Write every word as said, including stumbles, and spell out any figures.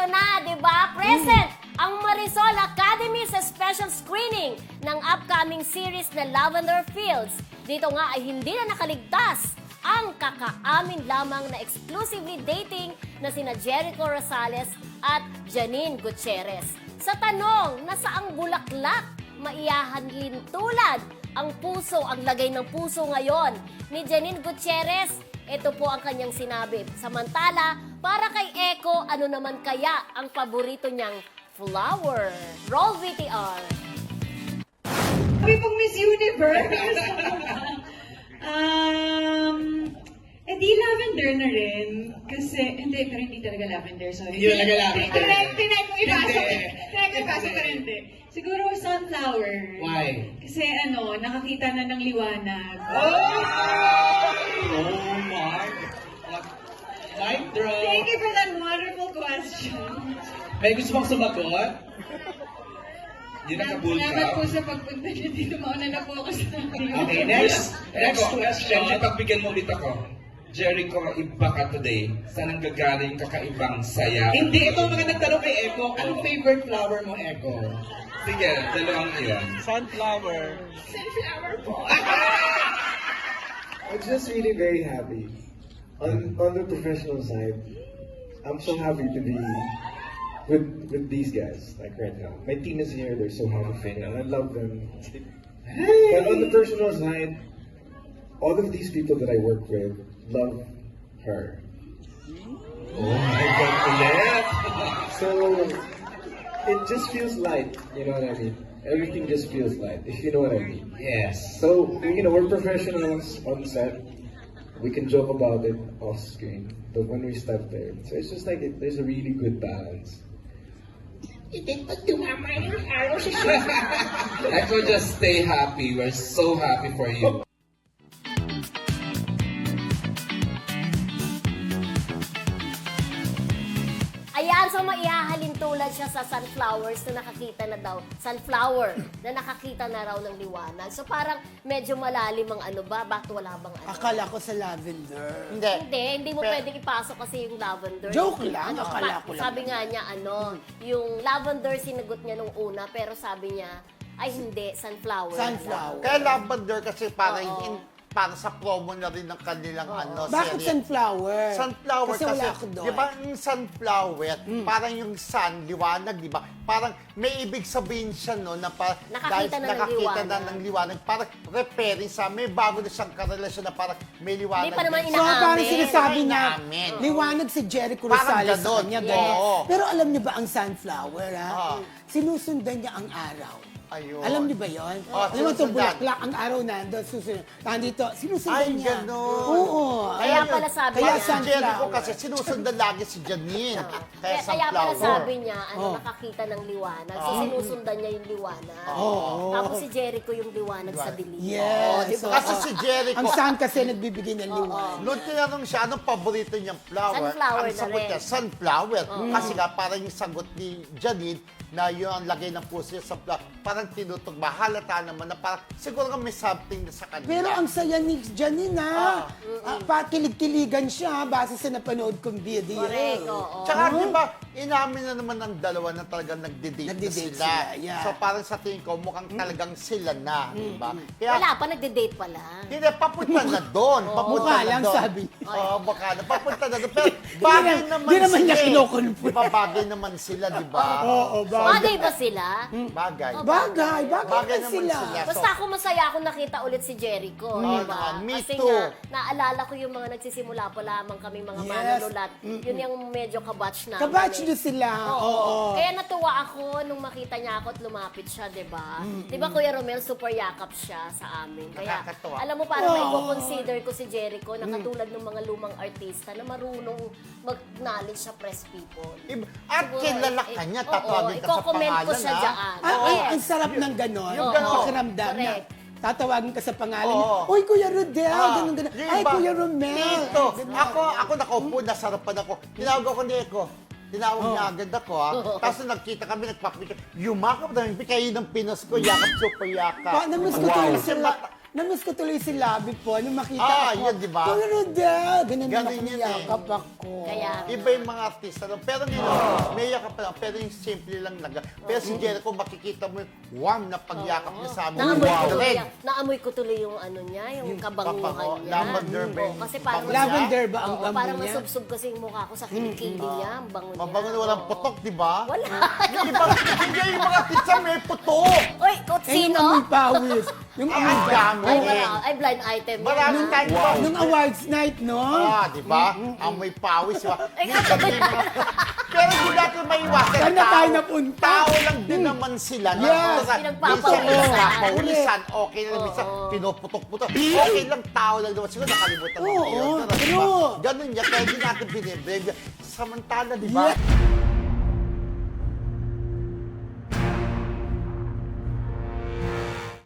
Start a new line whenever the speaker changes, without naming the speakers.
Eto na, di ba? Present ang Marisol Academy sa special screening ng upcoming series na Lavender Fields. Dito nga ay hindi na nakaligtas ang kakaamin lamang na exclusively dating na sina Jericho Rosales at Janine Gutierrez. Sa tanong, nasaang bulaklak maiyahanlin tulad ang puso, ang lagay ng puso ngayon ni Janine Gutierrez? Ito po ang kanyang sinabi. Samantala, para kay Eko, ano naman kaya ang paborito niyang flower? Roll V T R.
Sabi pong Miss Universe. um, eh di lavender na rin. Kasi, hindi, pero hindi talaga lavender. Sorry.
Hindi talaga lavender.
Tinay tinay kong ipasok.
Hindi.
Tinay kong ipasok, pero hindi. Siguro sunflower.
Why?
Kasi ano, nakakita na ng liwanag.
Oh my! Mic drop!
Thank you for that wonderful question.
May gusto mong sumagot? Hindi nakabul
Salamat po
ka?
sa pagpunta niyo dito. Mauna na po ako sa
Okay, next. Next question.
Siyempre, pagbigyan mo ulit ako. Jericho, iba ka today. Saan ang gagaling kakaibang saya?
Hindi, ito ang mga nagtanong kay Eko. Anong favorite flower mo, Eko?
Sige, dalawang iyon.
Sunflower.
sunflower po.
I'm just really very happy. On on the professional side, I'm so happy to be with with these guys. Like right now, my team is here. They're so happy for me, and I love them. But on the personal side, all of these people that I work with love her.
Oh my God, ulit.
So it just feels light. You know what I mean? Everything just feels light. If you know what I mean.
Yes.
So, you know, we're professionals on set. We can joke about it off screen. But when we step there, so it's just like it, there's a really good balance.
Echo, just stay happy. We're so happy for you.
Ayan, so maihahalin tulad siya sa sunflowers na nakakita na daw, sunflower na nakakita na raw ng liwanag. So parang medyo malalim ang ano ba? Bakit wala bang ano?
Akala ko sa lavender.
Hindi.
Hindi, hindi mo
Pero-
pwedeng ipasok kasi yung lavender.
Joke lang,
Ano,
akala
pa-
ko lang.
Sabi nga niya, ano, yung lavender sinagot niya nung una, pero sabi niya, ay hindi, sunflower.
Sunflower.
Kaya lavender kasi parang
Oo.
in, para sa promo na rin ng kanilang ano,
Bakit
serye.
sunflower?
Sunflower
kasi,
kasi,
wala ako doon.
di ba yung sunflower, parang yung sun, liwanag, di ba? Parang may ibig sabihin siya, no, na parang
Nakakita na ng
nakakita na
liwanag.
ng liwanag, parang repairing sa, may bago na siyang karelasyon na parang may liwanag.
Hindi pa naman
din.
So,
inaamin.
parang sinasabi niya,
Inaamin.
liwanag si Jericho
Parang
Rosales sa
ganon.
kanya.
Oo.
Ganon. Pero alam niyo ba ang sunflower, ha?
Ah.
Sinusundan niya ang araw.
Ayun.
Alam niyo ba yun?
Oh,
Alam mo itong
sinusundan.
bulaklak, ang araw nandun, susunod. Nandito, sinusundan
Ay,
niya.
ganon.
Oo.
Kaya
Ayun.
pala sabi
Kaya
niya.
Si Jericho
sunflower.
kasi sinusundan lagi si Janine.
Kaya,
Kaya
kaya pala
sunflower.
sabi niya, ano,
Oh.
nakakita ng liwanag. So, sinusundan niya yung liwanag.
Oo.
Tapos si Jericho yung liwanag sa dilim.
Yes.
Oh, kasi si Jericho,
Ang sun kasi nagbibigay ng liwanag.
noon tinanong siya, anong paborito niyang flower?
Sunflower
ang
na
sagot
rin.
niya, sunflower. Kasi nga, parang yung sagot ni Janine, na yun ang lagay ng puso niya sa flower, parang tinutugma. Halata naman na parang, siguro nga may something na sa kanila.
Pero ang saya ni Janine, ha? Ah, pa, kilig-kiligan siya base sa napanood kong video.
Correct, oo.
Tsaka, di ba, inamin na naman ng dalawa na talagang nagde-date na
Nagde-date
sila.
sila, yeah.
So, parang sa tingin ko, mukhang talagang sila na, di ba? Kaya,
Wala pa, nagde-date pa lang.
hindi, papunta na doon. Papunta
Mukha
na
lang,
doon.
sabi niya.
Oo, baka na. Papunta na doon. Pero bagay
na-
naman
di naman niya
sila eh.
kinukonfirm.
Di ba, bagay naman sila, di ba?
Oo,
Bagay ba sila?
Bagay.
Bagay, bagay,
Bagay
na
naman
sila.
sila.
Basta ako masaya ako nakita ulit si Jericho, di ba?
naman, me
Kasi
too.
nga, naalala ko yung mga nagsisimula pa lamang kami mga
Yes.
manunulat. Yun yung medyo kabatch namin.
Kabatch
eh.
niyo sila.
Oo.
Oo.
Kaya natuwa ako nung makita niya ako at lumapit siya, di ba? Di ba, Kuya Romel, super yakap siya sa amin. Kaya,
Nakakatuwa.
alam mo, parang
Oo.
may consider ko si Jericho na katulad ng mga lumang artista na marunong mag-knowledge sa press people.
Iba- At
Siguro,
kilala
eh,
ka niya,
oo,
tatawagin ka sa
i-comment ko
pangalan,
siya
ha?
dyan.
Ah, ay,
Yes.
ang sarap ng ganon.
Yung
Yung
ganon.
pakiramdam na
Correct.
tatawagin ka sa pangalan
Oo.
niya. Uy, Kuya Rodel,
Ah,
ganun, ganun.
di
Ay,
ba?
Kuya Romel.
Dito.
Ganun.
Ako, ako nakaupo, nasarapan ako. Tinawag ako ni Eko. Tinawag niya agad ako, ha? Tapos nung nagkita kami, nagpapikit. Yumakap namin, kayo ng Pinas ko, yakap, super yakap.
Pa, namiss ko
Wow.
kayo
Kasi
sila.
mata-
na-miss ko tuloy si Labi po. Nung makita
Ah,
ako.
yun, di ba?
Kuya Rodel. Ganun
Ganun
naman
yun eh.
yakap ako.
Kaya,
Iba yung mga artista lang. Pero ngayon, may yakap pa lang. Pero yung simple lang naga. Pero si Jericho, makikita mo yung warm na pagyakap niya sa amin.
naamoy ko
Wow.
tuloy,
Red.
naamoy ko tuloy yung ano niya, yung kabanguhan
kabango,
niya.
lavender ba
Oo,
yung
kasi parang
bango
Lavender ba ang
Oo,
bango
parang
niya?
masubsob kasi yung mukha ko sa kilikili niya, ang bango niya.
Mabango na walang
Oo.
putok, di ba?
Wala.
Yung iba, hindi yung mga artista may putok.
Uy,
Eh, yung
kutsino?
amoy pawis. Yung
Ang
amoy
dami.
Ay, wala. Ay, blind item. yun,
Marami
ah.
tayong wow.
Nung awards night, no?
Ah, di ba? Amoy pawis, di ba?
Ay,
Minsan
ano ba
may mga- Pero hindi natin maiwasan.
Saan na
Tao-
tayo napunta?
Tao lang din naman sila. no?
Yes.
Minsan,
Pinagpapawisan.
minsan pinagpapawisan, okay na
Oo.
minsan pinuputok-putok. Okay lang, tao lang naman. Siguro nakalimutan mo
Oo,
yun. Pero, di ba?
true.
Ganun niya, kaya hindi natin biniblame. Samantala, di ba?
Yeah.